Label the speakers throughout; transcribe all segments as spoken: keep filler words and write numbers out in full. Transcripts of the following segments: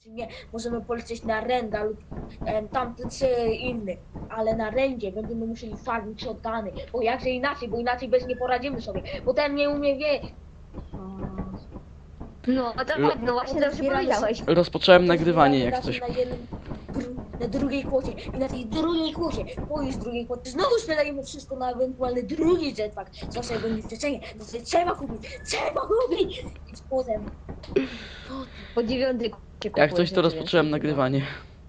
Speaker 1: czy nie. Możemy polecieć na Renda lub em, tamty czy inny. Ale na Rendzie będziemy musieli farmić shotguny. Bo jakże inaczej, bo inaczej bez nie poradzimy sobie. Bo ten nie umie wie.
Speaker 2: No, to
Speaker 3: Ro-
Speaker 2: tak, no właśnie
Speaker 1: Potem
Speaker 2: dobrze
Speaker 1: zbieramy
Speaker 2: powiedziałeś.
Speaker 3: Rozpocząłem
Speaker 1: Potem
Speaker 3: nagrywanie
Speaker 1: zbieramy
Speaker 3: jak
Speaker 1: razem
Speaker 3: coś.
Speaker 1: Na, jednym, dru- na drugiej kłocie i na tej drugiej kłocie, po już drugiej kłocie, znowu sprzedajemy wszystko na ewentualny drugi jetpack. Zawsze jak będzie wcześniej, to sobie trzeba kupić, trzeba kupić! I potem,
Speaker 2: Po dziewiątej
Speaker 3: Jak coś to rozpocząłem nagrywanie.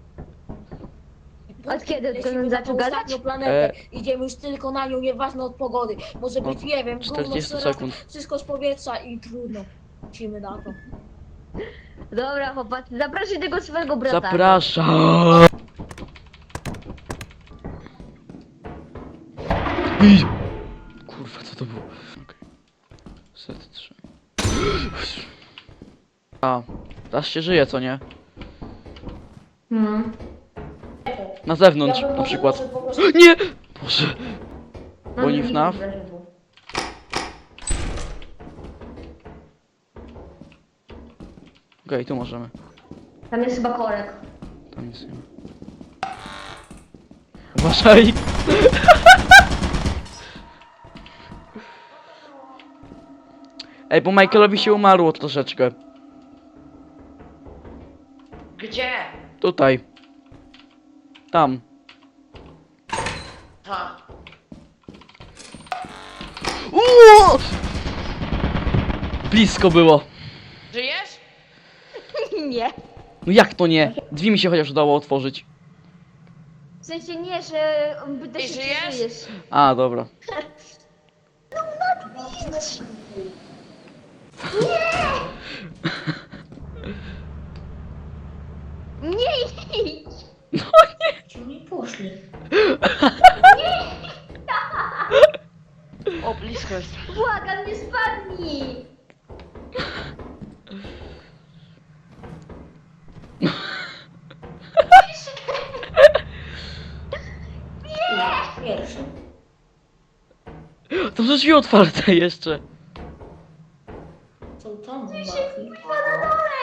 Speaker 2: Od kiedy
Speaker 1: lecimy
Speaker 2: ten
Speaker 1: na
Speaker 2: zaczął
Speaker 1: tą
Speaker 2: gadać?
Speaker 1: ostatnią planetę,
Speaker 3: E.
Speaker 1: idziemy już tylko na nią, nieważne od pogody. Może być,
Speaker 3: Od
Speaker 1: nie wiem, gówno,
Speaker 3: czterdzieści
Speaker 1: srata,
Speaker 3: sekund.
Speaker 1: wszystko z powietrza i trudno. Lecimy na to.
Speaker 2: Dobra, chłopacy, zapraszaj tego swojego brata.
Speaker 3: Zapraszam! Ej! Kurwa, co to było? Okej. Set trzy. A, teraz się żyje, co nie?
Speaker 2: Hmm.
Speaker 3: Na zewnątrz,
Speaker 1: Ja bym
Speaker 3: na
Speaker 1: może-
Speaker 3: przykład.
Speaker 1: może po prostu-
Speaker 3: Nie! Boże.
Speaker 2: No,
Speaker 3: Boni
Speaker 2: nie
Speaker 3: F N A F?
Speaker 2: widzę, żeby-
Speaker 3: Okej, tu możemy.
Speaker 2: Tam jest chyba korek.
Speaker 3: Tam nic nie ma. Uważaj! Ej, bo Michaelowi się umarło troszeczkę.
Speaker 4: Gdzie?
Speaker 3: Tutaj. Tam.
Speaker 4: Ha.
Speaker 3: Uuu! Blisko było.
Speaker 4: Żyjesz?
Speaker 2: Nie.
Speaker 3: No jak to nie? Drzwi mi się chociaż udało otworzyć.
Speaker 2: W sensie nie, że pyta
Speaker 4: Ty
Speaker 2: się, czy
Speaker 4: żyjesz?
Speaker 2: żyjesz.
Speaker 3: A, dobra.
Speaker 2: Nie idź!
Speaker 1: Ci nie poszli.
Speaker 4: O, blisko jest.
Speaker 2: Błagam, nie spadnij!
Speaker 1: Pierwszy.
Speaker 3: To są drzwi otwarte jeszcze.
Speaker 1: Co tam?
Speaker 2: Chyba na dole!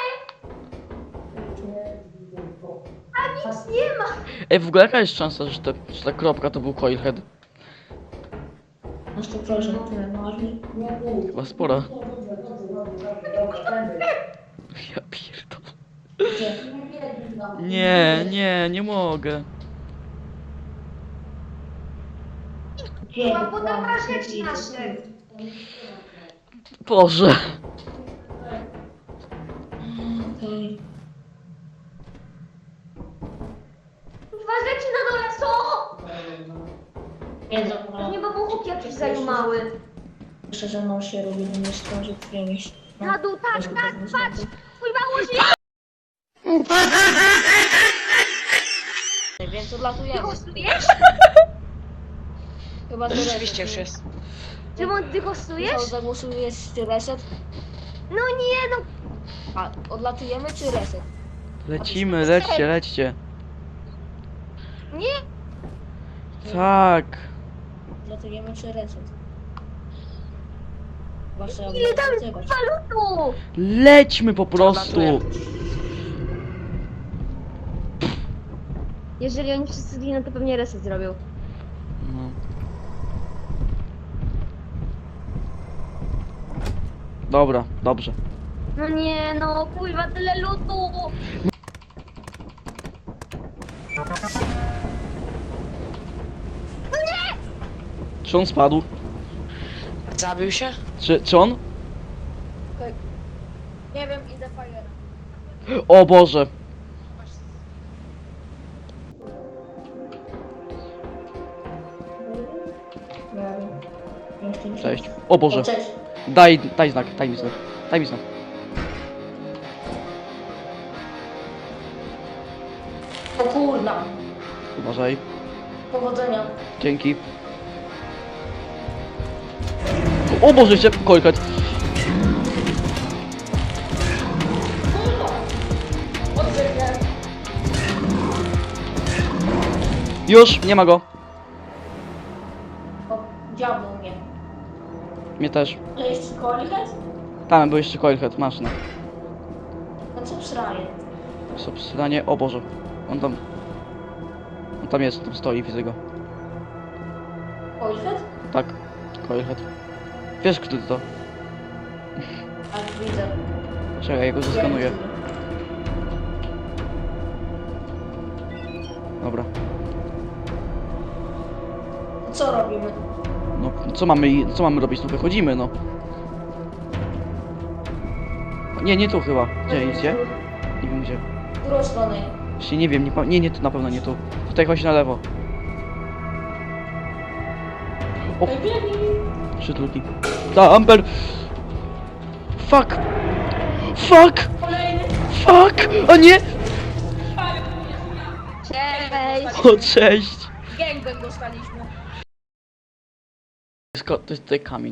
Speaker 2: A nic nie ma!
Speaker 3: Ej, w ogóle jaka jest szansa, że, te, że ta kropka to był coilhead?
Speaker 1: Na sto procent tyle marli.
Speaker 3: Chyba spora. Ja pierdolę.
Speaker 1: Gdzie?
Speaker 3: Nie, nie, nie mogę.
Speaker 1: Gdzie?
Speaker 2: Była podobna rzecz nasze.
Speaker 3: Boże.
Speaker 1: Okej.
Speaker 2: Dwa rzeczy na dole są!
Speaker 1: Nie,
Speaker 2: To
Speaker 1: dobra.
Speaker 2: nie babuchów jakiś zajumały.
Speaker 1: Jeszcze ze mną się robi, nie straży którymś.
Speaker 2: Na dół, tak, tak, patrz! Twój mało żyje!
Speaker 1: Więc
Speaker 2: Ty
Speaker 1: odlatujemy.
Speaker 2: hostujesz?
Speaker 1: Chyba że
Speaker 4: Rzeczywiście już jest.
Speaker 2: Szymon, ty hostujesz?
Speaker 1: Michał, zagłosujesz czy reset?
Speaker 2: No nie, no
Speaker 1: A, odlatujemy czy reset?
Speaker 3: Lecimy, lećcie, lećcie.
Speaker 2: nie!
Speaker 3: Tak.
Speaker 1: Odlatujemy czy reset? Wasze
Speaker 2: Ile tam jest
Speaker 1: odlatywać.
Speaker 2: walutu?
Speaker 3: Lećmy po prostu.
Speaker 2: Jeżeli oni wszyscy zginą, to pewnie reset zrobią.
Speaker 3: No. Dobra, dobrze.
Speaker 2: No nie, no kurwa, tyle lutu!
Speaker 3: Czy on spadł?
Speaker 4: Zabił się?
Speaker 3: Czy, czy on?
Speaker 1: Nie wiem, idę fire.
Speaker 3: O Boże. Cześć. O Boże.
Speaker 1: Cześć.
Speaker 3: Daj, daj znak, daj mi znak. Daj mi znak.
Speaker 1: O kurna.
Speaker 3: Uważaj.
Speaker 1: Powodzenia.
Speaker 3: Dzięki. O Boże, jeszcze coilhead.
Speaker 1: Odzygnę.
Speaker 3: Już, nie ma go.
Speaker 1: O, diabło mnie.
Speaker 3: Mnie też.
Speaker 1: Ale jeszcze kolikać?
Speaker 3: Tam był jeszcze coilhead, masz no.
Speaker 1: No co przraje?
Speaker 3: Subsydanie, o Boże. On tam... On tam jest, tam stoi, widzę go.
Speaker 1: Ojciec?
Speaker 3: Tak, Coilhead. Wiesz kto to?
Speaker 1: A, widzę.
Speaker 3: Czekaj, ja go zeskanuję. Dobra.
Speaker 1: Co robimy?
Speaker 3: No, co mamy, co mamy robić? No wychodzimy, no. Nie, nie tu chyba. Gdzie, gdzie? Nie wiem gdzie.
Speaker 1: W którą stronę?
Speaker 3: Właśnie nie wiem, nie, pa- nie, nie tu, na pewno nie tu. Tutaj chodź na lewo. O,
Speaker 1: Ej, biegnij.
Speaker 3: trzy truki. Ta, Amber! Fuck! Fuck!
Speaker 1: Kolejny.
Speaker 3: Fuck! O nie!
Speaker 2: Cześć!
Speaker 3: O, cześć!
Speaker 1: Gangbang dostaliśmy.
Speaker 3: To jest, ko- to jest tutaj kamień.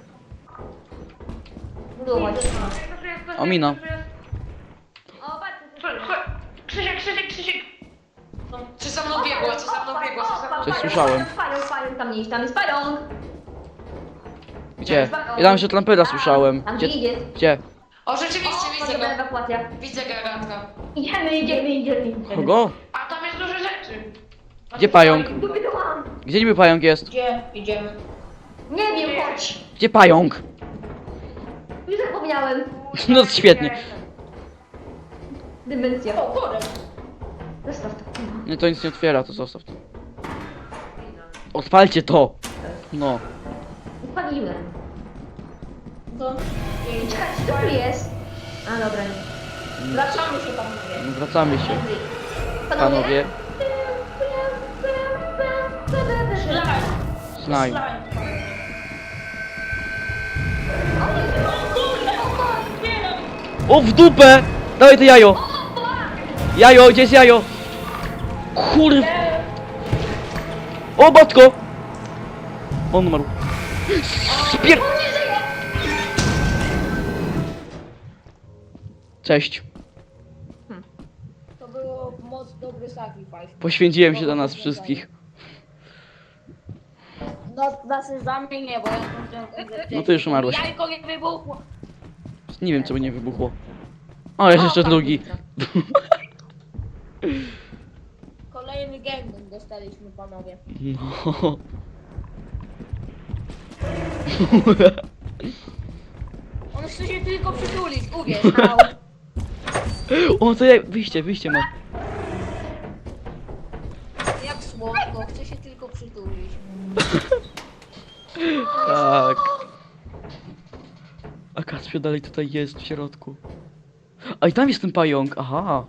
Speaker 2: Budować.
Speaker 3: Omina.
Speaker 2: O, patrz,
Speaker 4: Krzysiek, Krzysiek, Krzysiek! No, co za mną biegło, co za mną biegło, co za mną
Speaker 3: Coś słyszałem.
Speaker 2: Pająk, pająk, tam nie idź, tam jest pająk!
Speaker 3: Gdzie? Ja tam jeszcze trampera słyszałem.
Speaker 2: Tam
Speaker 3: Gdzie?
Speaker 2: idzie.
Speaker 3: Gdzie?
Speaker 4: O, rzeczywiście,
Speaker 2: O,
Speaker 4: widzę
Speaker 2: potrzebna
Speaker 4: go.
Speaker 2: ewakuacja.
Speaker 4: Widzę garatka.
Speaker 2: Idziemy, idziemy, idziemy, idziemy.
Speaker 3: Kogo?
Speaker 4: A tam jest dużo rzeczy. A
Speaker 3: Gdzie
Speaker 4: tu
Speaker 3: pająk?
Speaker 4: stoi.
Speaker 2: Dupy to mam.
Speaker 3: Gdzie niby pająk jest?
Speaker 1: Gdzie idziemy?
Speaker 2: Nie wiem, chodź.
Speaker 3: Gdzie pająk?
Speaker 2: Już zapomniałem.
Speaker 3: No świetnie.
Speaker 2: Dymencja.
Speaker 1: O, korek.
Speaker 2: Zostaw to.
Speaker 3: Nie, to nic nie otwiera, to zostaw to. Odpalcie to! No.
Speaker 2: Spaliłem.
Speaker 1: To... Ej,
Speaker 2: Czekaj, co tu jest? A, dobra, nie.
Speaker 1: Wracamy się tam mówię.
Speaker 3: No, wracamy się,
Speaker 2: Panowie?
Speaker 3: panowie.
Speaker 1: Slime.
Speaker 3: Slime.
Speaker 1: Slime.
Speaker 3: O, w dupę! Dawaj to jajo! Jajo, gdzie jest jajo? Kurw! O, matko! On umarł. Spier... Cześć.
Speaker 1: To było moc dobry sacrifice.
Speaker 3: Poświęciłem się dla nas wszystkich.
Speaker 1: No, na sezamie nie, bo ja skończyłem kompletnie.
Speaker 3: No to już umarłeś.
Speaker 1: Jajko nie wybuchło.
Speaker 3: Nie wiem, czemu nie wybuchło. O, jest jeszcze drugi.
Speaker 1: Kolejny gangbang dostaliśmy, panowie.
Speaker 3: No.
Speaker 1: On chce się tylko przytulić, uwierz.
Speaker 2: Au.
Speaker 3: O, to jak... Wyjście, wyjście ma.
Speaker 1: Jak słodko, chce się tylko przytulić.
Speaker 3: Tak. A Kacpio dalej tutaj jest w środku. A i tam jest ten pająk, aha.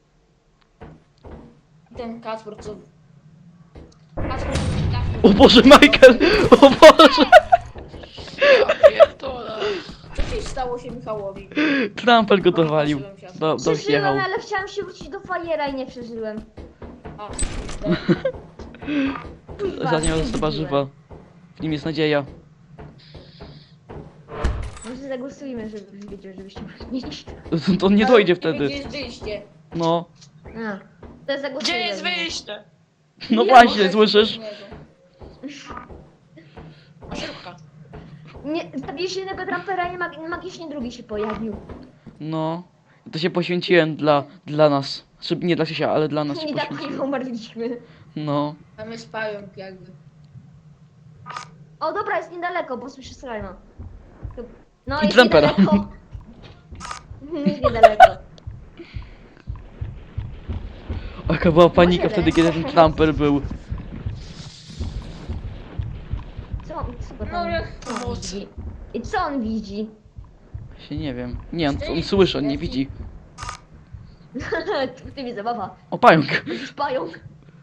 Speaker 1: Ten Kacper, co... Kacper, Kacper.
Speaker 3: O Boże, Michael! O Boże!
Speaker 4: Ja pierdolę.
Speaker 1: Co ci stało się Michałowi?
Speaker 3: Trampel go dowalił. Do,
Speaker 2: Przeżyłem,
Speaker 3: dojechał.
Speaker 2: ale chciałem się wrócić do fajera i nie przeżyłem.
Speaker 1: A,
Speaker 3: Ostatnia osoba żywa. W nim jest nadzieja.
Speaker 2: Może zagłosujmy, żeby wiedział, żebyście mieli.
Speaker 3: To on nie dojdzie wtedy.
Speaker 1: Gdzie jest wyjście?
Speaker 3: No.
Speaker 2: A, to zagłosujmy.
Speaker 4: Gdzie jest wyjście?
Speaker 3: No
Speaker 2: Nie,
Speaker 3: właśnie,
Speaker 1: Może
Speaker 3: słyszysz?
Speaker 4: Szybka.
Speaker 2: Nie, zabiłeś jednego trampera i mag magicznie drugi się pojawił.
Speaker 3: No. To się poświęciłem dla, dla nas. Znaczy, nie dla Krzysia, ale dla nas się
Speaker 2: I tak nie
Speaker 3: poświęciłem.
Speaker 2: umarliśmy.
Speaker 3: No.
Speaker 1: Tam jest pająk jakby.
Speaker 2: O dobra, jest niedaleko, bo słyszę slajma. No
Speaker 3: I
Speaker 2: jest
Speaker 3: trampera.
Speaker 2: niedaleko. Jest niedaleko.
Speaker 3: Jaka była panika
Speaker 2: Może
Speaker 3: wtedy, kiedy ten
Speaker 2: lecz.
Speaker 3: Tramper był.
Speaker 2: Co on, co go
Speaker 1: No,
Speaker 2: tam
Speaker 1: jak
Speaker 2: co on
Speaker 4: pomoc.
Speaker 2: widzi? I co on widzi?
Speaker 3: Się nie wiem. Nie, on, on słyszy, on nie widzi.
Speaker 2: W tym jest zabawa.
Speaker 3: O, pająk.
Speaker 2: Jakiś pająk.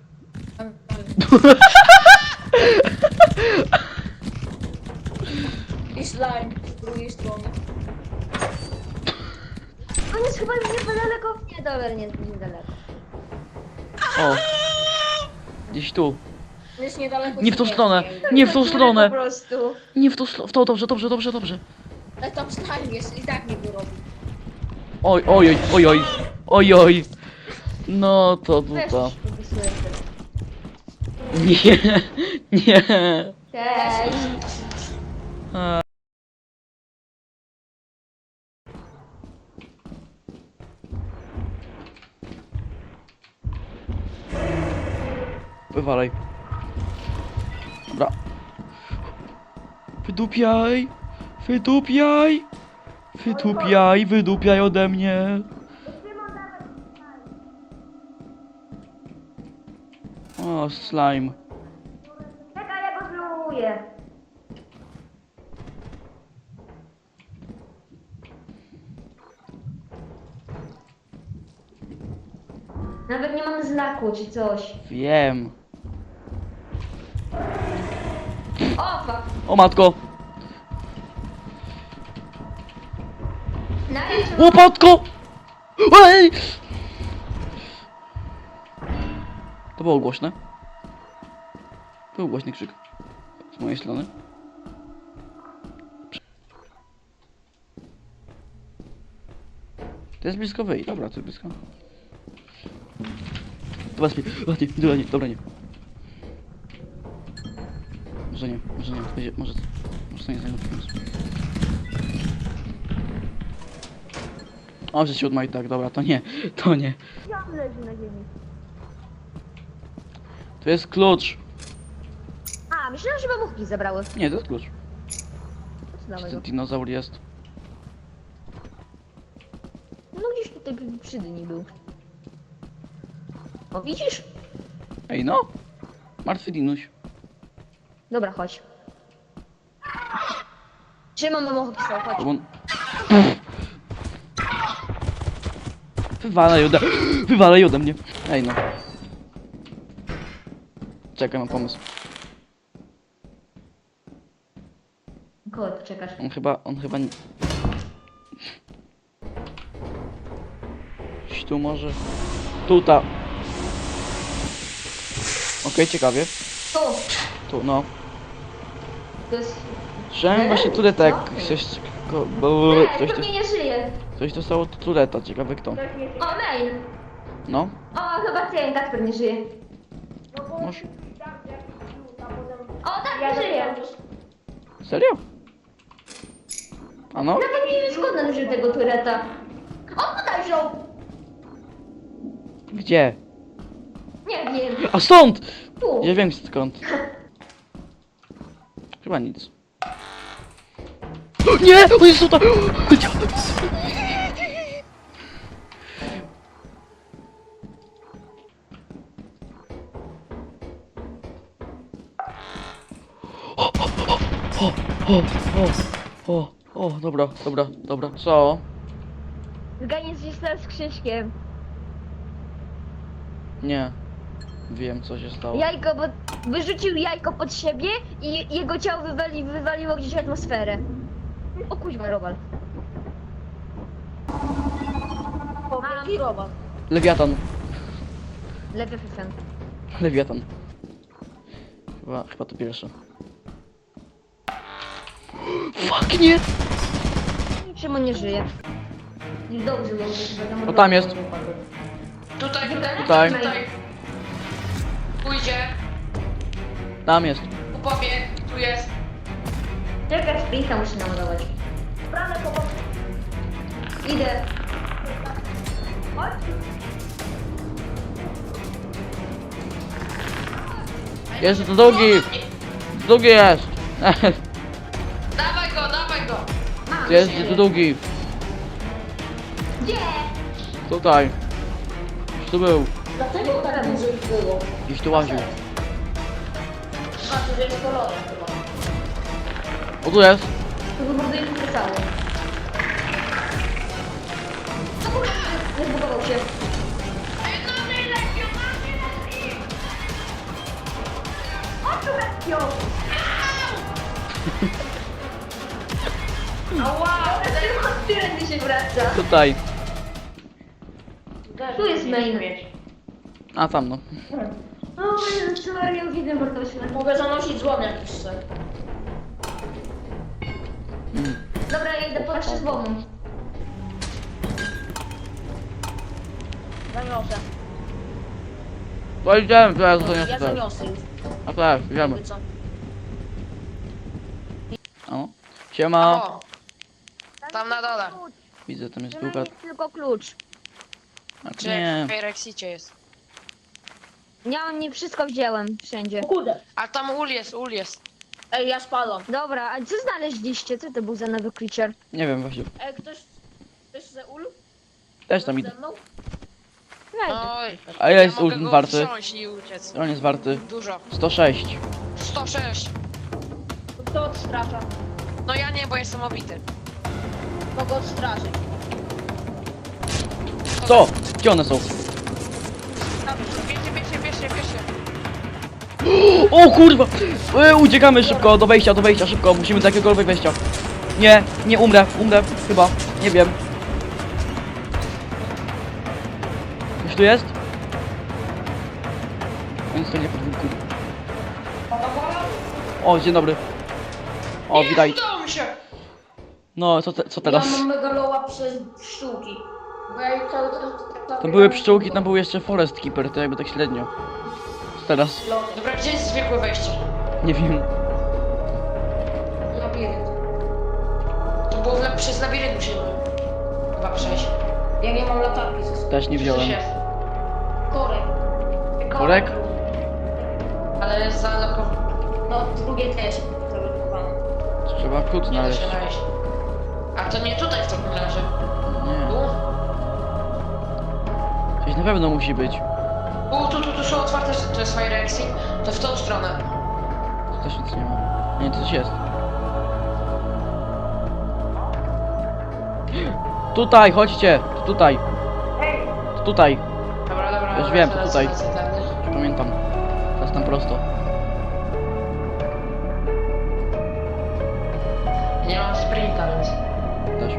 Speaker 1: I slime z drugiej strony.
Speaker 2: On jest chyba już niedaleko. Nie, dobra, nie jest niedaleko.
Speaker 3: O. Gdzieś tu.
Speaker 1: Jest niedaleko.
Speaker 3: Nie w tą
Speaker 1: śmierci
Speaker 3: stronę.
Speaker 1: jakby.
Speaker 3: Nie w tą stronę.
Speaker 2: Po prostu.
Speaker 3: Nie w tą stronę. W tą, dobrze, dobrze, dobrze, dobrze.
Speaker 1: Ale tam slime jest i tak nie wyrobi.
Speaker 3: Oj, oj, oj, oj, oj. Oj, oj. No to
Speaker 2: Weź,
Speaker 3: dupa.
Speaker 2: wysyłaj teraz.
Speaker 3: Nie, nie.
Speaker 2: Cześć.
Speaker 3: A. Wywalaj. Dobra. Wydupiaj! Wydupiaj! Wydupiaj, wydupiaj ode mnie! O, slime.
Speaker 2: Czekaj, ja go zluję. Nawet nie mamy znaku czy coś.
Speaker 3: Wiem.
Speaker 2: O, fuck.
Speaker 3: O matko!
Speaker 2: Nawet
Speaker 3: Łopatko! Ej! To było głośne. Był głośny krzyk. Z mojej strony. To jest blisko wyjść. Dobra, to jest blisko. Dobra, spij. Dobra, nie, dobra, nie, dobra, nie. Może nie, może nie, będzie, może, może to nie zajmie pomysł. O, że siódma i tak, dobra, to nie, to nie.
Speaker 2: ja leży na ziemi.
Speaker 3: To jest klucz.
Speaker 2: A, myślałem, że babuchki zabrały.
Speaker 3: Nie, to jest klucz.
Speaker 2: Co
Speaker 3: Czy
Speaker 2: nowego?
Speaker 3: ten dinozaur jest?
Speaker 2: No gdzieś tutaj przy dni był. O, widzisz?
Speaker 3: Ej, no. Martwy dinuś.
Speaker 2: Dobra, chodź. Trzymam babuchki, chodź.
Speaker 3: Bo on... Wywalaj ode... Wywalaj ode mnie. Ej, no. Czekaj, mam pomysł.
Speaker 2: Kogo ty czekasz?
Speaker 3: On chyba, on chyba nie... Gdzieś tu może... Tuta. Okej, ciekawie.
Speaker 2: Tu!
Speaker 3: Tu, no.
Speaker 2: To jest...
Speaker 3: Słyszałem właśnie tureta, jak
Speaker 2: Co?
Speaker 3: ktoś... ko- bo-
Speaker 2: Nie,
Speaker 3: Coś,
Speaker 2: pewnie nie żyje.
Speaker 3: coś dostało tureta, ciekawe kto.
Speaker 2: O, mail!
Speaker 3: No,
Speaker 2: O, chyba ty, Kacper nie żyje.
Speaker 3: może...
Speaker 2: O, tak, nie żyje.
Speaker 3: Serio? A no?
Speaker 2: Nawet nie wiem skąd on wziął tego tureta. On tutaj wziął!
Speaker 3: Gdzie?
Speaker 2: Nie wiem.
Speaker 3: A stąd!
Speaker 2: Tu.
Speaker 3: Ja wiem skąd. Chyba nic. Nie! On jest tutaj! O, o, o, o, o, dobra, dobra, dobra. Co?
Speaker 2: Zganiec się z Krzyśkiem.
Speaker 3: Nie. Wiem, co się stało.
Speaker 2: Jajko, bo wyrzucił jajko pod siebie i jego ciało wywali, wywaliło gdzieś w atmosferę. O kuźwa, Robal.
Speaker 1: Wielki robak.
Speaker 3: Lewiatan.
Speaker 2: Lewy fifem.
Speaker 3: Lewiatan. Chyba, chyba to pierwsze. Fuck, nie!
Speaker 2: Czemu nie żyje? Dobrze, bo
Speaker 3: O, tam jest.
Speaker 4: Tutaj,
Speaker 3: Tutaj.
Speaker 4: tutaj. Pójdzie.
Speaker 3: Tam jest.
Speaker 4: Upowie. Tu jest.
Speaker 2: Czekaj, sprinta musi naładować. Idę. Chodź.
Speaker 3: Jest to drugi! Drugi jest!
Speaker 4: Dawaj go, dawaj go.
Speaker 2: Mam
Speaker 3: Jest
Speaker 2: się.
Speaker 3: to drugi!
Speaker 2: Gdzie?
Speaker 3: Tutaj! Gdzieś tu był!
Speaker 1: Dlatego tak dużo ich było.
Speaker 3: Gdzieś tu łaził.
Speaker 1: Znaczy, że jest kolorem chyba.
Speaker 3: O, tu jest!
Speaker 2: To wybuduje to całe. No kurde, nie zbugował się. O, tu Rekio!
Speaker 4: Ała!
Speaker 2: Od którędy się wraca?
Speaker 3: Tutaj!
Speaker 2: Tu jest main.
Speaker 3: A, tam no.
Speaker 2: O, Jezu, co ja widzę, bo to się...
Speaker 1: Mogę zanosić złom jakiś se.
Speaker 3: Mm.
Speaker 2: Dobra, ja idę po nasze z bombą.
Speaker 1: Zaniosę.
Speaker 3: To idziemy, to ja zostanię
Speaker 1: Ja
Speaker 3: tutaj.
Speaker 1: zaniosę już.
Speaker 3: A tak, idziemy.
Speaker 1: Jakby co.
Speaker 3: O. Siema!
Speaker 4: O, tam na dole.
Speaker 3: Widzę, tam jest
Speaker 2: Że
Speaker 3: druga.
Speaker 2: jest tylko klucz.
Speaker 3: A
Speaker 4: Czy
Speaker 3: nie.
Speaker 4: w Rexicie jest.
Speaker 2: Ja nie wszystko wziąłem wszędzie.
Speaker 1: O kurde.
Speaker 4: A tam ul jest, ul jest.
Speaker 1: Ej, ja spadłam.
Speaker 2: Dobra, a co znaleźliście? Co to był za nowy creature?
Speaker 3: Nie wiem właśnie.
Speaker 1: Ej, ktoś... Ktoś ze ul?
Speaker 3: Też tam idę.
Speaker 1: Ze mną?
Speaker 2: Weź.
Speaker 4: Oj.
Speaker 3: A ile jest
Speaker 4: mogę
Speaker 3: ul
Speaker 4: go
Speaker 3: warty?
Speaker 4: wziąć i uciec.
Speaker 3: On jest warty
Speaker 4: Dużo.
Speaker 3: sto sześć.
Speaker 4: sto sześć.
Speaker 1: To kto odstrasza?
Speaker 4: No ja nie, bo jestem obity.
Speaker 1: Kogo odstraszy?
Speaker 3: Co? Gdzie one są?
Speaker 4: Tam, bierzcie, bierzcie, bierzcie, bierzcie.
Speaker 3: O kurwa! E, uciekamy szybko, do wejścia, do wejścia, szybko. Musimy do jakiegokolwiek wejścia. Nie, nie umrę, umrę, chyba. Nie wiem. Ktoś tu jest? On stoi na podwórku. O, dzień dobry. O,
Speaker 4: Nie,
Speaker 3: witaj.
Speaker 4: udało mi się.
Speaker 3: No, co, te, co teraz?
Speaker 1: Ja mam megaloła przez pszczółki. Bo ja cały czas...
Speaker 3: Tam były pszczółki, tam był jeszcze Forest Keeper, to jakby tak średnio. Co teraz?
Speaker 4: Dobra, gdzie jest zwykłe wejście?
Speaker 3: Nie wiem.
Speaker 1: Labirynt.
Speaker 4: To było w, przez labirynt musimy chyba przejść.
Speaker 1: Ja nie mam latarki ze sobą.
Speaker 3: Też nie
Speaker 4: Coś
Speaker 3: wziąłem.
Speaker 4: jest.
Speaker 1: Korek.
Speaker 3: Korek?
Speaker 4: Ale jest zalokowane.
Speaker 1: No, drugie też zablokowane.
Speaker 3: Trzeba klucz
Speaker 4: Nie da
Speaker 3: znaleźć.
Speaker 4: się wejść. A to nie tutaj w takim razie.
Speaker 3: Nie.
Speaker 4: Tu?
Speaker 3: Coś na pewno musi być.
Speaker 4: U, tu, tu, tu są otwarte, to jest Fire Exit. To w tą stronę.
Speaker 3: Tu też nic nie ma. Nie, to coś jest. Tutaj, chodźcie! To tutaj. To tutaj.
Speaker 4: Dobra, dobra.
Speaker 3: Już
Speaker 4: dobra,
Speaker 3: wiem, to
Speaker 4: lecę,
Speaker 3: tutaj.
Speaker 4: lecę, lecę.
Speaker 3: Już pamiętam. Teraz tam prosto.
Speaker 4: Nie mam sprinta, więc...
Speaker 3: Też.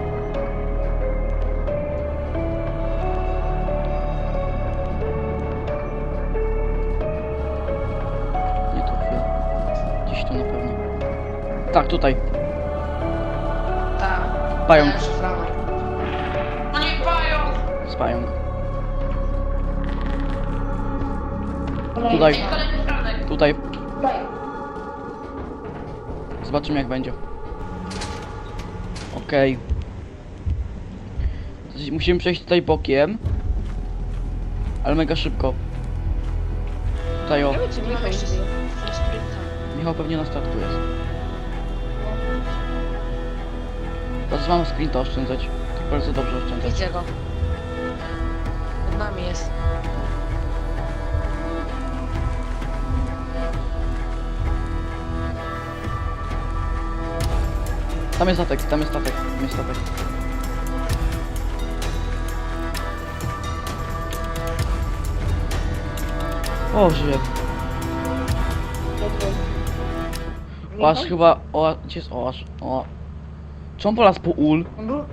Speaker 3: Nie tu chwilę. Gdzieś tu na pewno. Tak, tutaj.
Speaker 4: Tak.
Speaker 3: Pająk.
Speaker 4: Ja już szuflamy. No nie pająk!
Speaker 3: Z pająk.
Speaker 1: Kolejny.
Speaker 3: Tutaj.
Speaker 4: Ej, kolejny franek.
Speaker 3: Tutaj.
Speaker 1: Daj.
Speaker 3: Zobaczymy jak będzie. Okej. Okay. Musimy przejść tutaj bokiem. Ale mega szybko. Tutaj o.
Speaker 4: Czy Michał jeszcze z sprinta?
Speaker 3: Michał pewnie na statku jest. Teraz mam sprinta oszczędzać. Tak bardzo dobrze oszczędzać.
Speaker 4: Widzę go. Pod nami jest.
Speaker 3: Tam jest statek, tam jest statek, tam jest statek. O, żyje. Oaż chyba... O, gdzie jest oaż? O. Czy on polazł po ul?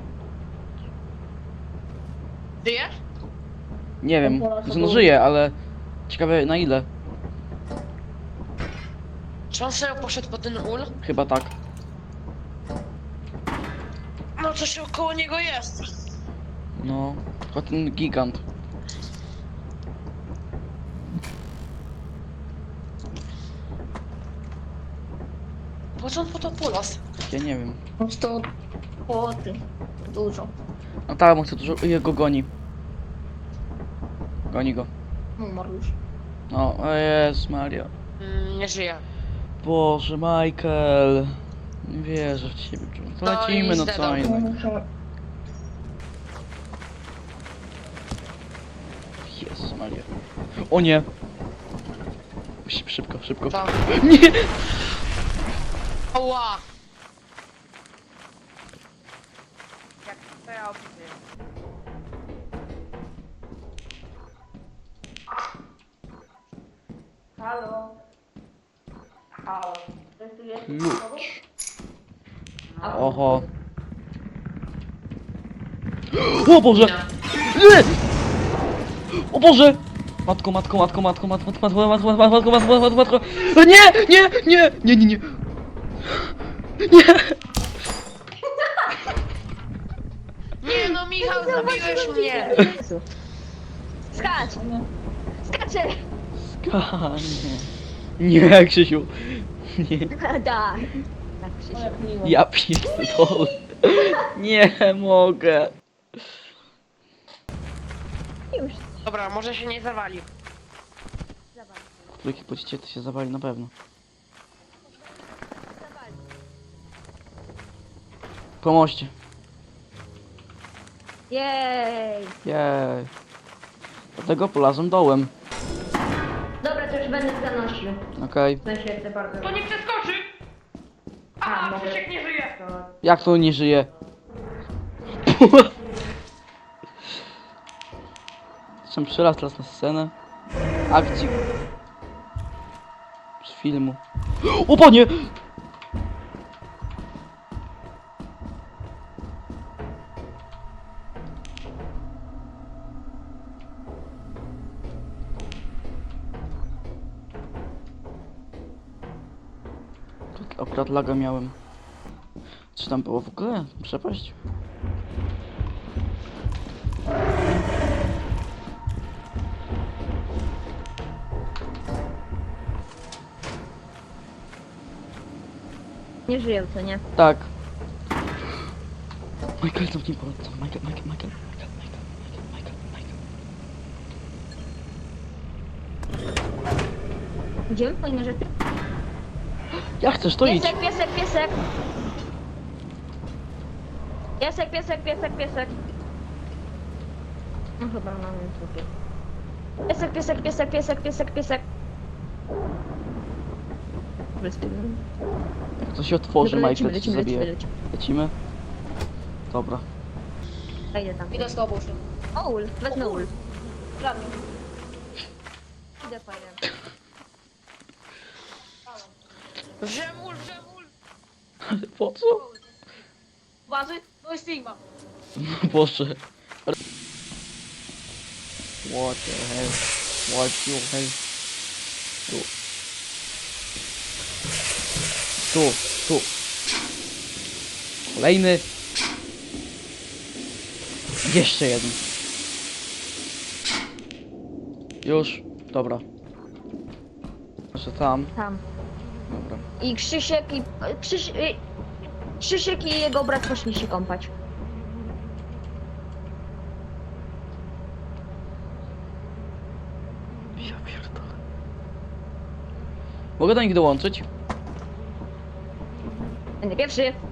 Speaker 4: Żyjesz?
Speaker 3: Nie wiem.
Speaker 1: On polazł po
Speaker 3: Znaczy, no
Speaker 1: ul.
Speaker 3: żyje, ale... Ciekawe na ile.
Speaker 4: Czy on serio poszedł po ten ul?
Speaker 3: Chyba tak.
Speaker 4: No coś około niego jest.
Speaker 3: No. Tylko ten gigant.
Speaker 4: Po co on po to polas?
Speaker 3: Ja nie wiem.
Speaker 1: Po prostu płoty. Dużo.
Speaker 3: No tak, on chce dużo... Jego goni. Goni go.
Speaker 1: Umarł już.
Speaker 3: No, o Jezus Maria.
Speaker 4: Mm, nie żyje.
Speaker 3: Boże, Michael. Nie wierzę w ciebie. To
Speaker 4: No
Speaker 3: lecimy,
Speaker 4: i
Speaker 3: no co
Speaker 4: zdedał.
Speaker 3: innego. Jezus Maria. O nie. Musimy szybko, szybko.
Speaker 4: To.
Speaker 3: Nie!
Speaker 4: Oła! Jak to ja opisuję?
Speaker 1: Halo. Halo. Ktoś tu jest?
Speaker 3: Klucz.
Speaker 1: A-
Speaker 3: Oho. O Boże! Nie! O Boże! Matko, matko, matko, matko, matko, matko, matko, matko, matko, matko, matko, matko. Nie! Nie! Nie! Nie, nie, nie! Nie!
Speaker 4: Nie no, Michał, zabiłeś mnie!
Speaker 2: Skacz! Skaczę!
Speaker 3: Skanie. Nie, Krzysiu. Nie.
Speaker 2: Tak. Tak, Krzysiu.
Speaker 1: O, jak miło.
Speaker 3: Ja pierdolę. Nie mogę.
Speaker 2: Już.
Speaker 4: Dobra, może się nie zawali.
Speaker 2: Zawali.
Speaker 3: trójki pójdziecie, to się zawali na pewno. Po moście.
Speaker 2: Jej!
Speaker 3: Jej. Dlatego polazłem dołem.
Speaker 2: Dobra, to już będę zanosił.
Speaker 3: Okej.
Speaker 2: W sensie chcę bardzo.
Speaker 4: To nie przeskoczy!
Speaker 2: A,
Speaker 4: Aha,
Speaker 2: mogę.
Speaker 4: Krzysiek nie żyje!
Speaker 3: Jak to nie żyje? Zresztą przyraz teraz na scenę. Akcji. Z filmu. O panie! Tak, akurat laga miałem. Czy tam było w ogóle? Przepaść?
Speaker 2: Nie żyją, co nie?
Speaker 3: Tak. Michael, zamknij pole. Michael, Michael, Michael, Michael, Michael, Michael, Michael, Michael.
Speaker 2: Idziemy po inne rzeczy?
Speaker 3: Jak chcesz, to idź.
Speaker 2: Piesek, piesek, piesek! Piesek, piesek, piesek, piesek. No chyba mam sobie. Piesek, piesek, piesek, piesek, piesek, piesek.
Speaker 3: Jak to się otworzy,
Speaker 2: Dobra,
Speaker 3: Michael,
Speaker 2: lecimy,
Speaker 3: to się
Speaker 2: lecimy,
Speaker 3: zabije.
Speaker 2: lecimy,
Speaker 3: Lecimy? Dobra.
Speaker 2: lecimy. Idę tam.
Speaker 1: Idę z tobą się.
Speaker 2: O, ul, wezmę ul.
Speaker 1: Prawie.
Speaker 2: Idę fajnie.
Speaker 4: Żemul, żemul!
Speaker 3: Ale po co?
Speaker 1: Bazy? No i Stigma.
Speaker 3: Boże. What the hell? What the hell? Tu. Tu, tu. Kolejny. Jeszcze jeden. Już. Dobra. Jeszcze tam.
Speaker 2: Tam.
Speaker 3: Dobra.
Speaker 2: I Krzysiek i... Krzyś, y, Krzysiek i jego brat poszli się kąpać.
Speaker 3: Ja pierdolę. Mogę do nich dołączyć?
Speaker 2: Będę pierwszy.